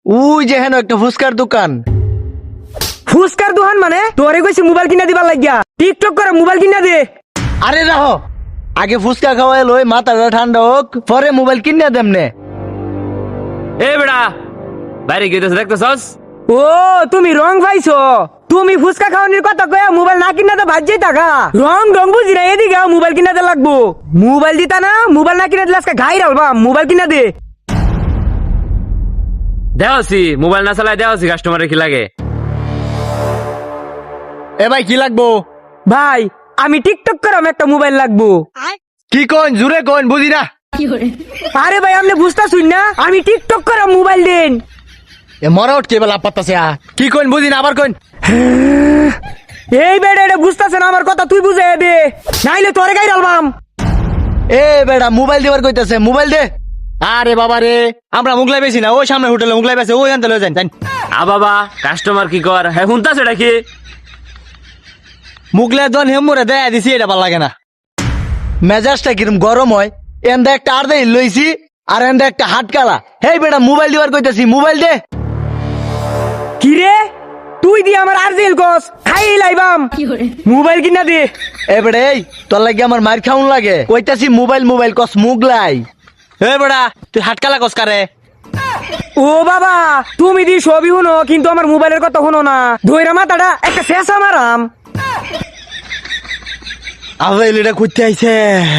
ওই যে হেন একটা ফুচকার দোকান। ফুচকার দোকান মানে তোরে কইছি মোবাইল কিনা দিবার লাগিয়া টিকটক করে মোবাইল কিনা দে। আরে রাহো, আগে ফুচকা খাওয়াই লই, মাথাটা ঠান্ডা হোক, পরে মোবাইল কিনে দেমনে। এ বেড়া বাইরে গিয়ে দেখতেছস? ও তুমি রং পাইছো, তুমি ফুচকা খাওয়ানোর কথা কয়া মোবাইল না কিনা তো ভাজ্যই থাকা। রং রং বুঝি না, এদিকে মোবাইল কিনা দে লাগবো। মোবাইল দিতা না, মোবাইল না কিনা দিলে আজকে ঘাই রালবা। মোবাইল কিনা দে। দেওয়াছি মোবাইল না চালাই দেওয়াছি কাস্টমারের কি লাগে? এ ভাই কি লাগবো? ভাই আমি টিকটক করাম, একটা মোবাইল লাগবো। কি কোন, জুড়ে কোন, বুঝি না। আরে ভাই আপনি বুঝতেছুন না, আমি টিকটক করাম, মোবাইল দেন। এ মরা উঠ কেবল আপাততাছে। কি কোন বুঝি না, আবার কোন। এই বেড়ে এটা বুঝতেছেন আমার কথা, তুই বুঝে দে, নাইলে তোরে গাই রালবাম। এ বেড়া মোবাইল দিবার কইতাছে, মোবাইল দে। আরে বাবা রে, আমরা মুগলাই বেশি না, ওই সামনে হোটেলে মুগলাই বেশি, ওই আনতে লয়ে যান। আ বাবা কাস্টমার কি কর, হ্যাঁ শুনতাছে এটা কি? মুগলাই জন হেমুরে দেয়া দিছি, এটা ভালো লাগে না। মেজাজটা কিরম গরম হয়। এন্দা একটা আর দেই লইছি, আর এন্দা একটা হাটকালা। হেই বেড়া মোবাইল দিবার কইতাছি, মোবাইল দে। কি রে তুই দি আমার আরজিল কস, খাই লাইবাম। মোবাইল কিনা দে। এ বেড়া এই তোর লাগে আমার মার খাউন লাগে, কইতাছি মোবাইল মোবাইল কস মুগলাই। এ বেড়া তুই হাটকালা কস কারে? ও বাবা তুমি দি সবই শুনো, কিন্তু আমার মোবাইলের কথা শুনো না। ধইরা মাথাটা একটা শেষ আমারাম। আবেল এটা কইতে আইছে।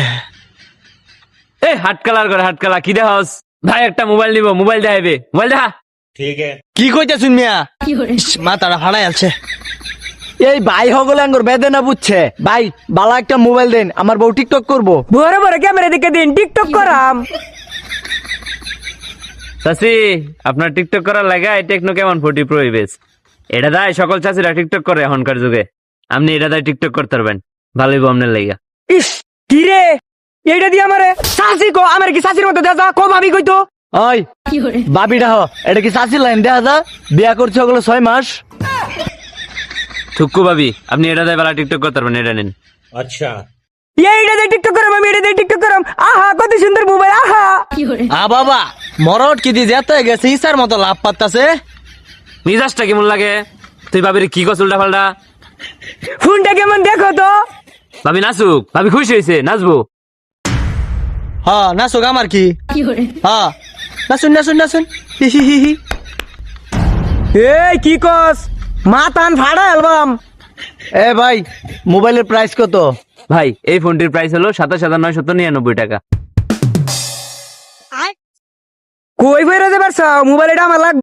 এ হাটকালার করে হাটকালা কি দেহস? ভাই একটা মোবাইল নিব, মোবাইল দেখাইবে, মোবাইল দেখা। কি কইতাছুন মিয়া? মাথাটা ফাড়াই আছে। এই ভাই হগলে আঙ্গুর বেদনা বুঝছে। ভাই বালা একটা মোবাইল দেন, আমার বউ টিকটক করবো। বড় বড় ক্যামেরা দেখে দিন, টিকটক করাম। চাচি আপনার টিকটক করার লাগা এই টেকনো কেমন 40 প্রো বেস। এটা দায় সকল চাচিরা টিকটক করে এখনকার যুগে। আপনি এটা দায় টিকটক করতে পারবেন, ভালোই আপনার লাগা। ইস কি রে এইটা দি আমারে শাসি কো, আমার কি শাসির মতো দেখা কো ভাবি কইতো। ওই বাবিটা হ, এটা কি চাষির লাইন দেখা যা? বিয়া করছে ওগুলো 6 মাস। থুক্কু ভাবি আপনি এটা দায় বেলা টিকটক করতে পারবেন, এটা নিন। এইটা দিয়ে টিকটক করাম, আমি এটা দিয়ে টিকটক করাম। আহা কত সুন্দর মোবাইল, আহা। বাবা মরট কি দিয়ে যেতে গেছে, ইসার মতো লাভ পাত্তাছে। মিজাজটা কেমন লাগে? তুই ভাবির কি কস উল্টা পাল্টা? ফোনটা কেমন দেখো তো। ভাবি নাচুক, ভাবি খুশি হয়েছে, নাচবো। হ্যাঁ নাচুক, আমার কি। হ্যাঁ নাচুন নাচুন নাচুন। হি হি হি হি। এই কি কস, মাথান ফাড়া অ্যালবাম। এ ভাই মোবাইলের প্রাইস কত? ভাই এই ফোনটির প্রাইস হলো 27,999 টাকা। কই বইরা যাবার মোবাইল, এটা আমার লাগবে।